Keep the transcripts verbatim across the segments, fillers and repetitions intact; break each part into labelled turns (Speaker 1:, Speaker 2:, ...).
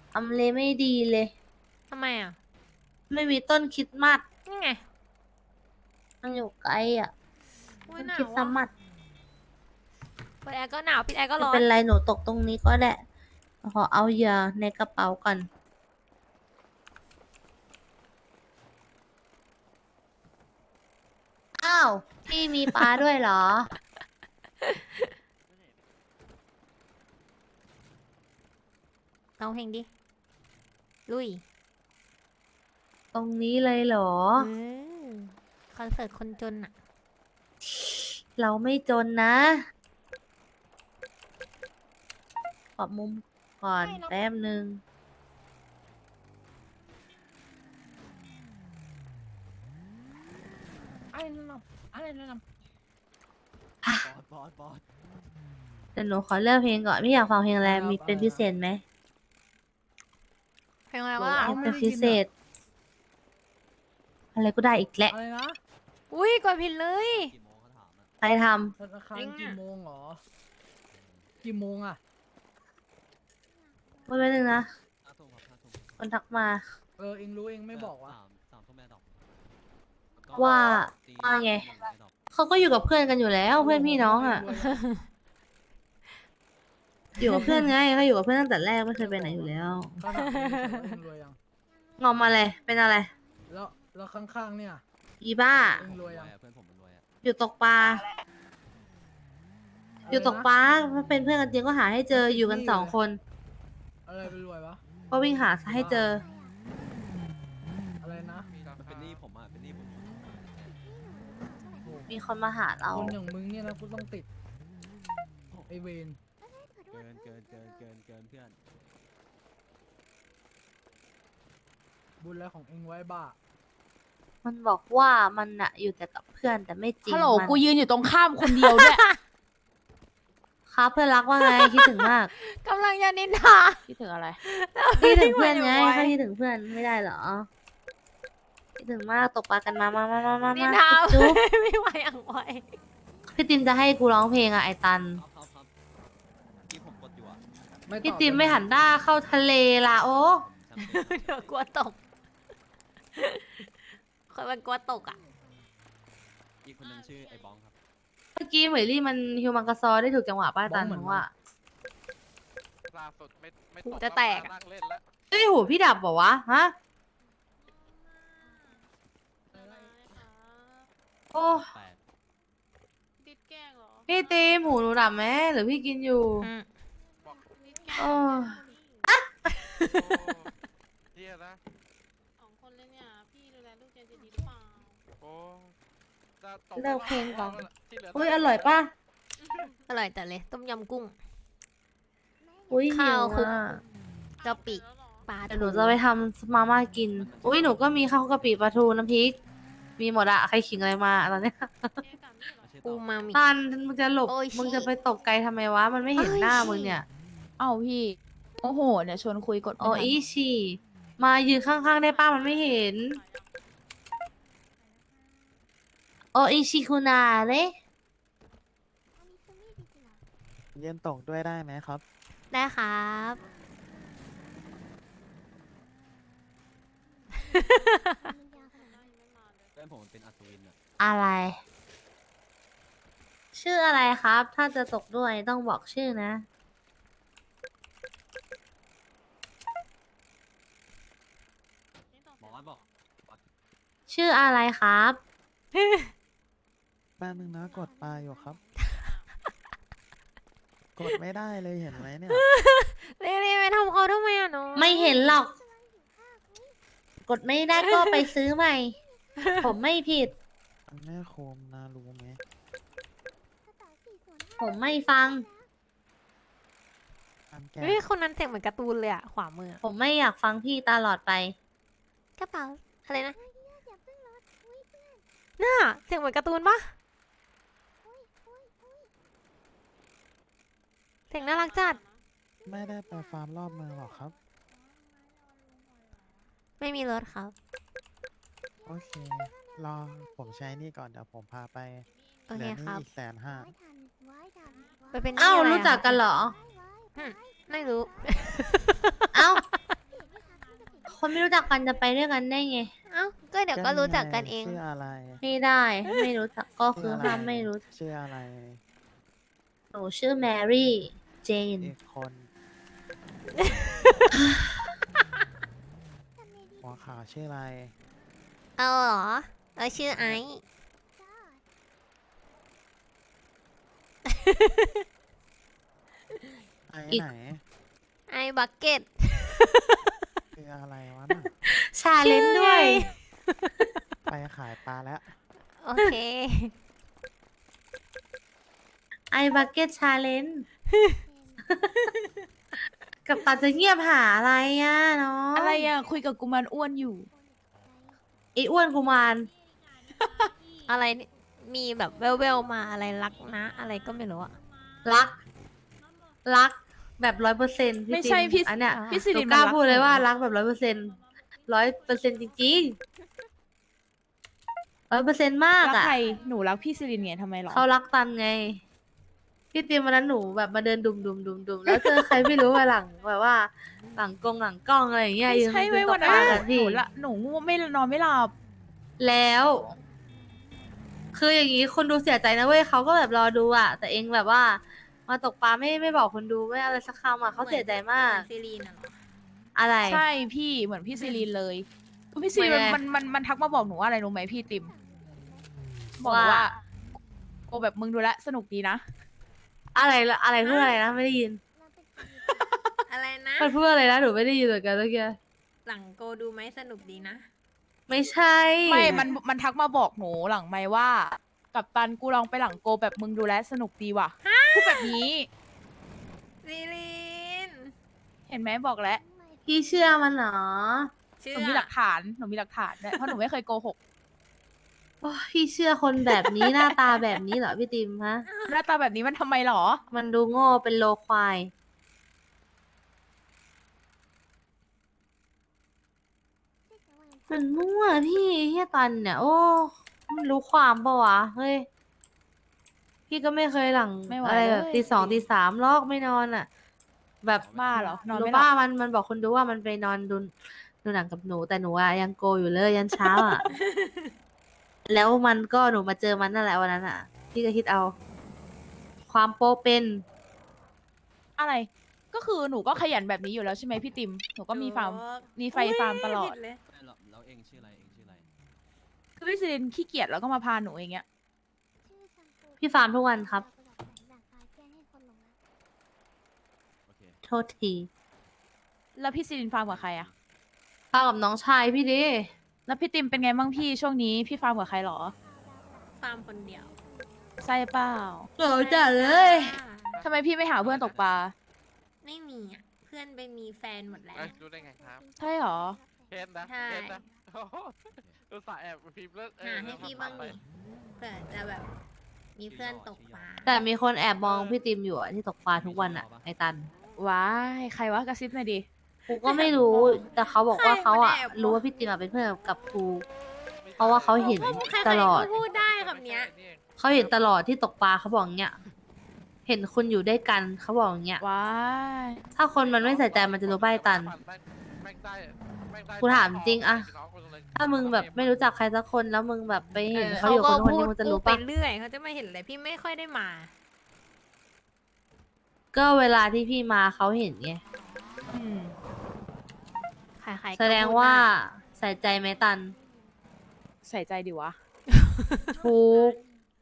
Speaker 1: ทำเลไม่ดีเลย
Speaker 2: ทำไมอ่ะ
Speaker 1: ไม่มีต้นคริสต์มาส
Speaker 2: นี่ไง
Speaker 1: มันอยู่ไกลอ่ะ
Speaker 2: อุ้ย
Speaker 1: ต้น
Speaker 2: หนา
Speaker 1: คริส
Speaker 2: ว
Speaker 1: ต์
Speaker 2: ว่ะ
Speaker 1: มาส
Speaker 2: เปิดแอร์ก็หนาวปิดแอร์ก็
Speaker 1: ไม่
Speaker 2: ร้อ
Speaker 1: เป็น นไรหนูตกตรงนี้ก็ได้ขอเอาเหยื่อในกระเป๋าก่อนอ้าวพี่มีปลาด้วยเหรอ
Speaker 2: เอาเพลงดิ ลุย
Speaker 1: ตรงนี้เลยเหรอ
Speaker 2: เออคอนเสิร์ตคนจนอ่ะ
Speaker 1: เราไม่จนนะปรับมุมก่อนแป๊บนึง
Speaker 3: อะไรนั่นน่ะอะไรนั่นน่ะ
Speaker 4: บอสบอส
Speaker 1: แต่หนูขอเลือกเพลงก่อนพี่อยากฟังเพลงอะไรมีเป็นพิเศษไหม
Speaker 2: เพลงอะไรวะ
Speaker 1: เพลงเป็นพิเศษ อะไรก็ได้อีกแหละ
Speaker 3: อะไรนะ
Speaker 2: อุ้ยกดผิดเลย
Speaker 4: กี่โมงเขาถามอ่ะ
Speaker 1: ใครท
Speaker 3: ธนาคาร
Speaker 2: ลิงก์
Speaker 3: กี่
Speaker 2: อะ
Speaker 3: โมงเหรอกี่โมงอ่ะ
Speaker 1: ำไม่เป็นนึงนะ
Speaker 4: ห้าทุ่มครับห้าทุ่ม
Speaker 1: คนทักมา
Speaker 3: เออเองรู้เองไม่บอกว่า
Speaker 4: สามสามทุ่มแม่ดอก
Speaker 1: ว่า
Speaker 4: ตี
Speaker 1: ว่าไง
Speaker 4: แม่ดอก
Speaker 1: เขาก็อยู่กับเพื่อนกันอยู่แล้วเพื่อนพี่น้องอ่ะ อยู่กับเพื่อนไงเขาอยู่กับเพื่อนตั้งแต่แรกไม่เคยไปไหนอยู่แล้ว
Speaker 3: เขาถามเองเฉยว่าเองรวยยัง
Speaker 1: งอมมาเลยเป็นอะไร
Speaker 3: แล้วแล้วข้างๆเนี่ย
Speaker 1: อีบ้า
Speaker 3: เองรวยยัง
Speaker 4: เพื่อนผมมันรวยอ่ะ
Speaker 1: อยู่ตกปลา อยู่ตกปลาถ้าเป็นเพื่อนกันจริงก็หาให้เจออยู่กันสองคน
Speaker 3: อะไรเป็นรวยวะ
Speaker 1: ก็วิ่งหาให้เจอ
Speaker 3: อะไรนะ
Speaker 4: มันเป็นหนี้ผมอ่ะเป็นหนี้ผม
Speaker 3: โอ้
Speaker 1: มีคนมาหาเรา
Speaker 3: คนอย่างมึงเนี่ยนะกูต้องติดไอเวน
Speaker 4: เกินเกินเกินเกินเกินเพื่อน
Speaker 3: บุญแล้วของเองไว้บ้า
Speaker 1: มันบอกว่ามันอะอยู่แต่กับเพื่อนแต่ไม่จริง
Speaker 5: ฮัลโหล
Speaker 1: มัน
Speaker 5: กูยืนอยู่ตรงข้ามคนเดียวด้วย
Speaker 1: ครับเพื่อนรักว่าไงคิดถึงมาก
Speaker 2: กำลังจะนินทา
Speaker 5: คิดถึงอะไร
Speaker 1: คิดถึงเพื่อนไง
Speaker 2: ไม่ไหว
Speaker 1: เขาคิดถึงเพื่อนไม่ได้เหรอคิดถึงมากตกปลากันมามามามามา
Speaker 2: นิน
Speaker 1: มา
Speaker 2: ทา
Speaker 1: จุ๊บ
Speaker 2: ไม่ไหวอย่างไหว
Speaker 1: พี่ติมจะให้กูร้องเพลงอะไอตัน
Speaker 4: ครับครับครับที่ผมกดอยู่อ่ะ
Speaker 3: ไม่ตอบ
Speaker 1: พี่ติมไม่หันหน้าเข้าทะเลละโอ้
Speaker 4: ช่างเป็น
Speaker 2: เดี๋ยวกลัวตก คนมันกลัวตกอ่ะ
Speaker 4: อีกคนนึงชื่อไอ้บ้องครับ
Speaker 1: เมื่อกี้เหมยลี่มันฮิวมังกาซอได้ถูกจังหวะป้าตันเพราะว่า
Speaker 6: ล่าสุดไม่ไม่
Speaker 2: หู
Speaker 6: ตก
Speaker 2: จะแตก
Speaker 6: แล้วมานั่งเล่นแล้ว
Speaker 1: เอ้ยหูพี่ดับบอกวะฮะโอ้
Speaker 4: แปด
Speaker 7: ดิดแกล้งเหรอ
Speaker 1: พี่ติมหูหนูดับไหมหรือพี่กินอยู่
Speaker 2: อืม
Speaker 6: บอก
Speaker 7: ดิดแกล้ง
Speaker 1: โอ้
Speaker 6: โอ้เฮียนะ
Speaker 7: สองคนเลยเนี่ย พี่ดูแลลูกเจนจะดีหรือเปล่า
Speaker 6: โอ้จะตก
Speaker 1: เลิกเพลงก่อน
Speaker 6: ที่เหลื
Speaker 1: อุ้ยอร่อยป่ะ
Speaker 2: อร่อยแต่เลย ต้มยำกุ้ง
Speaker 1: อุ้ยหิ
Speaker 2: ข้าว
Speaker 1: ว
Speaker 2: คลุก
Speaker 1: อ่ะ
Speaker 2: กะปิ
Speaker 7: แล้วเหรอ
Speaker 2: ปลา
Speaker 1: เดี๋ยวหนูจะไปทำมาม่ากิน อุ้ยหนูก็มีข้าวกะปิปลาทูน้ำพริก มีหมดอะใครขิงอะไรมาตอนเนี้ย
Speaker 7: เอ๊ะกับนี่เหรอ
Speaker 4: ไม่ใช่
Speaker 2: อู
Speaker 4: ต่อ
Speaker 2: มามิ
Speaker 1: ตันมึงจะหลบ
Speaker 2: โอ้ย
Speaker 1: มึงจะไปตกไกลทำไมวะ มันไม่เห็น
Speaker 2: โอ้ย
Speaker 1: หน้า
Speaker 2: ชิ
Speaker 1: มึงเนี่ย
Speaker 5: เอ้าพี่ โอ้โห เนี่ยชวนคุยกดไม่
Speaker 1: โอ้
Speaker 5: ทัน
Speaker 1: อีชีมายืนข้างๆได้ป้ามันไม่เห็น โออิชิคุนาเนะ
Speaker 8: เย็นตกด้วยได้ไหมครับ
Speaker 2: ได้ครับ
Speaker 4: เพื่อนผมมันเป็นอัศวินอ่ะ
Speaker 1: อะไร ชื่ออะไรครับ ถ้าจะตกด้วยต้องบอกชื่อนะ
Speaker 4: หมอบอก
Speaker 1: ชื่ออะไรครับ
Speaker 8: แป๊บนึงนะกดปลาอยู่ครับ กดไม่ได้เลยเห็นไหมเนี่ย
Speaker 2: เรีๆไปทำเขาทำไมอ่ะน้อง
Speaker 1: ไม่เห็นหรอก กดไม่ได้ก็ไปซื้อใหม่ ผมไม่ผิด
Speaker 8: แม่โคมนารู้ไหม
Speaker 1: ผมไม่ฟัง
Speaker 8: ตามแก
Speaker 2: เฮ้ยคนนั้นเสียงเหมือนการ์ตูนเลยอ่ะ ขวามืออะ
Speaker 1: ผมไม่อยากฟังพี่ตลอดไป
Speaker 2: กระเป๋าอะไรนะน่าเสียงเหมือนการ์ตูนปะเสียงน่ารักจัด
Speaker 8: ไม่ได้ไปฟาร์มรอบเมืองหรอกครับ
Speaker 2: ไม่มีรถครับ
Speaker 8: โอเค รอผมใช้นี่ก่อนเดี๋ยวผมพาไป
Speaker 2: โอ
Speaker 8: เห
Speaker 2: เค
Speaker 8: ลือ
Speaker 2: ค
Speaker 8: นี่
Speaker 2: รับ
Speaker 8: อีกแสนห้า
Speaker 2: ไปเป็นหนี้
Speaker 1: เอ้า
Speaker 2: ะไะ
Speaker 1: รู้จักกันเหรอ
Speaker 2: หึไม่รู้
Speaker 1: เอ้ารู้จักกันจะไปด้วยกันได้ไง
Speaker 2: เอ้าก็เดี๋ยวก็รู้จักกันเอง
Speaker 8: ชื่ออะไร
Speaker 1: ไม่ได้ไม่รู้จักก็คือ
Speaker 8: ชื่ะร
Speaker 1: ห้ามไม่รู้
Speaker 8: ชื่ออะไร
Speaker 1: หนูชื่อแมรี่เจน
Speaker 8: อีกคนหัวขาวชื่ออะไร
Speaker 2: เอาเหรอเราชื่อไอซ์
Speaker 8: ไอ้
Speaker 1: อีก
Speaker 8: ไหน
Speaker 2: ไอซ์บักเก็ต
Speaker 8: คืออะไรวะน่ะ
Speaker 1: ชาเลนจ์ด้วย
Speaker 8: ไปขายปลาแล้ว
Speaker 2: โอเค
Speaker 1: ไอบักเก็ตชาเลนจ์ กับตาจะเงียบหาอะไรอ่ะเนาะ
Speaker 5: อะไรอ่ะ คุยกับกุมารอ้วนอยู่
Speaker 1: ไออ้วนกุมาร
Speaker 2: อะไรนี่มีแบบเวลเวลมาอะไรรักนะ อะไรก็ไม่รู้อะ
Speaker 1: รัก รักแบบร้อยเปอร์เซ็นต์
Speaker 5: ไม่ใช่พี่
Speaker 1: อันเนี้ย
Speaker 5: พี่สิ
Speaker 1: หนู
Speaker 5: ริน
Speaker 1: กล้า
Speaker 5: มันรัก
Speaker 1: พูดเลย
Speaker 5: หนู
Speaker 1: ว่ารักแบบร้อยเปอร์เซ็นต์ร้อยเปอร์เซ็นต์จริงๆร้อยเปอร์เซ็นต์มาก
Speaker 5: รัก
Speaker 1: อ่ะ
Speaker 5: ใครหนูรักพี่สิรินไงทำไมหรอ
Speaker 1: เขารักตันไง พี่ติมวันนั้นหนูแบบมาเดินดุมดุมดุมดุมแล้วเจอใครไม่รู้มาหลังแบบว่า หลังกงหลังกล้องอะไรอย่างเงี้ย
Speaker 5: ไม่
Speaker 1: ยืน
Speaker 5: ใช่
Speaker 1: ยื
Speaker 5: ไว้ย
Speaker 1: นต
Speaker 5: วั
Speaker 1: ก
Speaker 5: น
Speaker 1: ป
Speaker 5: นั้น
Speaker 1: ลา
Speaker 5: ห
Speaker 1: กันพี่
Speaker 5: นูละหนูง่วงไม่นอนไม่หลับ
Speaker 1: แล้ว คืออย่างนี้คนดูเสียใจนะเว้ยเขาก็แบบรอดูอ่ะ แต่เองแบบว่า มาตกปลาไม่ไม่บอกคนดูไม่อะไรสักคำอ่ะเขาเสียใจมาก
Speaker 2: ซีรีนอะเหรอ
Speaker 1: อะไร
Speaker 5: ใช่พี่เหมือนพี่ซิลินเลยพี่ซิลิน
Speaker 1: เป็นไง
Speaker 5: มันมันมันทักมาบอกหนูว่าอะไรรู้ไหมพี่ติมบอกหนู
Speaker 1: ว่า
Speaker 5: ว่าโกแบบมึงดูแลวสนุกดีนะ
Speaker 1: อะไรละอะไรพูดอะไรนะไม่ได้ยิน
Speaker 2: อะไรนะ
Speaker 1: มันพูดอะไรนะหนูไม่ได้ยินเหมือนกันเมื่อกี้
Speaker 2: หลังโกดูไหมสนุกดีนะ
Speaker 1: ไม่ใช่
Speaker 5: ไม่มันมันทักมาบอกหนูหลังไม่ว่า กับตันกูลองไปหลังโกแบบมึงดูแลสนุกดีว่ะพูดแบบนี้
Speaker 2: ซีรีน
Speaker 5: เห็นไหมบอกแล้ว
Speaker 1: พี่เชื่อมันเหรอ
Speaker 2: เชื่
Speaker 5: ห
Speaker 2: อ
Speaker 5: นูมีหลักฐานหนูมีหลักฐานด้วยเพราะหนูไม่เคยโกหก
Speaker 1: โอ้ยพี่เชื่อคนแบบนี้ หน้าตาแบบนี้เหรอพี่ติมฮะ
Speaker 5: หน้าตาแบบนี้มันทำไมหรอ
Speaker 1: มันดูโง่เป็นโลควาย มันมั่วพี่เฮียตันเนี่ย โอ้มันรู้ความปะวะ เฮ้ย พี่ก็ไม่เคยหลัง
Speaker 5: ไม่ไหว
Speaker 1: อะไรแบบ
Speaker 5: เลย
Speaker 1: ตีสองตีสามลอกไม่นอนอ่ะ แบบ
Speaker 5: บ้าเหรอ นอน
Speaker 1: รู้
Speaker 5: ไม่หลั
Speaker 1: บ้า
Speaker 5: บ
Speaker 1: มันมันบอกคนดูว่ามันไปนอนดูดูหนังกับหนู แต่หนูอะยังโกอยู่เลยยันเช้าอ่ะ แล้วมันก็หนูมาเจอมันนั่นแหละวันนั้นอ่ะ พี่ก็คิดเอา ความโปเป็น
Speaker 5: อะไร ก็คือหนูก็ขยันแบบนี้อยู่แล้วใช่ไหมพี่ติมหนูก็มีฟาร์ม มีไฟฟาร์มตลอด
Speaker 2: ผิเลย
Speaker 4: ไม่หรอกแล้วเองชื่ออะไรเองชื่ออะไร
Speaker 5: คือพี่ซิลินขี้เกียจแล้วก็มาพาหนูอย่างเงี้ย
Speaker 1: พี่ฟาร์มทุกวันครับ
Speaker 4: โอเค
Speaker 1: โทษที
Speaker 5: แล้วพี่ซิลินฟาร์มกับใครอะ
Speaker 1: ฟาร์มกับน้องชายพี่ดิ
Speaker 5: แล้วพี่ติมเป็นไงบ้างพี่ช่วงนี้พี่ฟาร์มกับใครหรอ
Speaker 2: ฟาร์มคนเดียว
Speaker 5: ใช่เปล่า
Speaker 1: เหงาจัดเลย
Speaker 5: ทำไมพี่ไม่หาเพื่อนตกปลา
Speaker 2: ไม่มีอ่ะ เพื่อนไปมีแฟนหมดแล้ว
Speaker 6: เอ้ยรู้ได้ไงครับ
Speaker 5: ใช่หรอ
Speaker 6: เห็นนะ
Speaker 2: ใช่
Speaker 6: เห็นนะโอ้โหอุตส่าห์แอบพิมพ์แล้วเอ
Speaker 2: หา
Speaker 6: อ
Speaker 2: ให้พี่บ้างดิเผื่อจะแบบ มีเพื่อนตกปลา
Speaker 1: แต่มีคนแอบมองพี่ติมอยู่อะที่ตกปลาทุกวันอะไอตัน
Speaker 5: ว้ายใครวะกระซิบหน่อยดิ
Speaker 1: กูก็ไม่รู้ แต่เขาบอกว่า
Speaker 2: ใคร
Speaker 1: เขาอะ
Speaker 2: มันแอบมอง
Speaker 1: รู้ว่าพี่ติมอะเป็นเพื่อนกับกู เพราะว่าเขาเห็น
Speaker 2: ใคร
Speaker 1: ต
Speaker 2: ๆ
Speaker 1: ลอด
Speaker 2: ก็พูดได้คำเนี้ย
Speaker 1: เขาเห็นตลอดที่ตกปลาเขาบอกอย่างเงี้ย เห็นคุณอยู่ด้วยกันเขาบอกอย่างเงี้ย
Speaker 5: ว้าย
Speaker 1: ถ้าคนมันไม่ใส่ใจมันจะรู้ป่ะไอ้ตัน
Speaker 6: แม่งได้แม่งได้
Speaker 1: กูถามจริงอะ
Speaker 6: น้องคนนึง
Speaker 1: ถ้ามึงแบบไม่รู้จักใครสักคนแล้วมึงแบบไปเห็น
Speaker 2: เออ
Speaker 1: เขาอยู่กับคนคน
Speaker 2: พู
Speaker 1: นี้
Speaker 2: ด
Speaker 1: มึงจะ
Speaker 2: พู
Speaker 1: รู้
Speaker 2: ดไป
Speaker 1: ป่ะ
Speaker 2: เรื่อยเขาจะไม่เห็นเลยพี่ไม่ค่อยได้มา
Speaker 1: ก็เวลาที่พี่มาเขาเห็นไง
Speaker 5: อืม
Speaker 2: ใครๆก็
Speaker 1: แสดง
Speaker 2: พู
Speaker 1: ว่า
Speaker 2: ได้
Speaker 1: ใส่ใจไหมตัน
Speaker 5: ใส่ใจดิวะ
Speaker 1: ทุก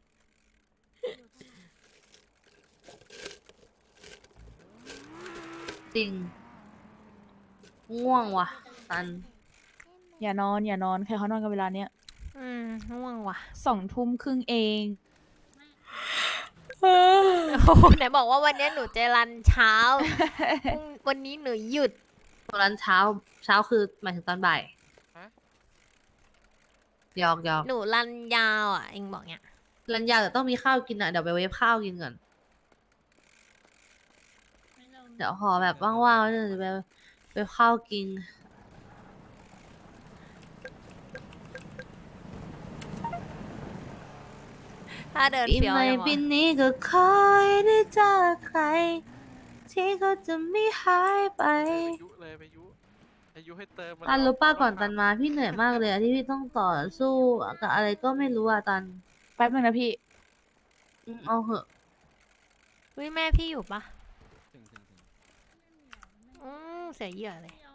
Speaker 1: จริง ง่วงว่ะ ตัน
Speaker 5: อย่านอนอย่านอนใครเขานอนกันเวลาเนี้ย
Speaker 2: อืมง่วงว่ะ
Speaker 5: สองทุ่มครึ่งเอง
Speaker 2: โอ้โหไหนบอกว่าวันนี้หนูจะรันเช้า พรุ่งวันนี้หนูหยุด
Speaker 1: ตอนนั้นเช้า เช้าคือหมายถึงตอนบ่ายหยอกหยอก
Speaker 2: หนูรันยาวอ่ะเองบอกเนี่ย
Speaker 1: รันยาวแต่ต้องมีข้าวกินอ่ะ เดี๋ยวไปเวฟข้าวกินก่อน เดี๋ยวขอแบบว่างๆแล้วเดี๋ยวจะไปเวฟข้าวกิน
Speaker 2: ถ้าเดิน
Speaker 1: ปี
Speaker 2: เฟี้ยว
Speaker 1: ใหม่
Speaker 2: ยัง
Speaker 1: ปี
Speaker 2: วะ
Speaker 1: นี้ก็คอยได้เจอใคร ที่เขาจะไม่หายไป
Speaker 6: ไปยุเลยไปยุไปอายุให้เติมมัน
Speaker 1: ตันรู้ป้าก่อน
Speaker 6: เา
Speaker 1: ตันมาพี่เหนื่อยมากเลยอะที่พี่ต้องต่อสู้กับอะไรก็ไม่รู้อะตัน
Speaker 5: แป๊บนึงนะพี่
Speaker 1: อืมเอาเหอะ
Speaker 2: อุ้ยแม่พี่อยู่ปะ
Speaker 4: ถึงถึงถึง
Speaker 2: อืมเสียเหยื่อเลย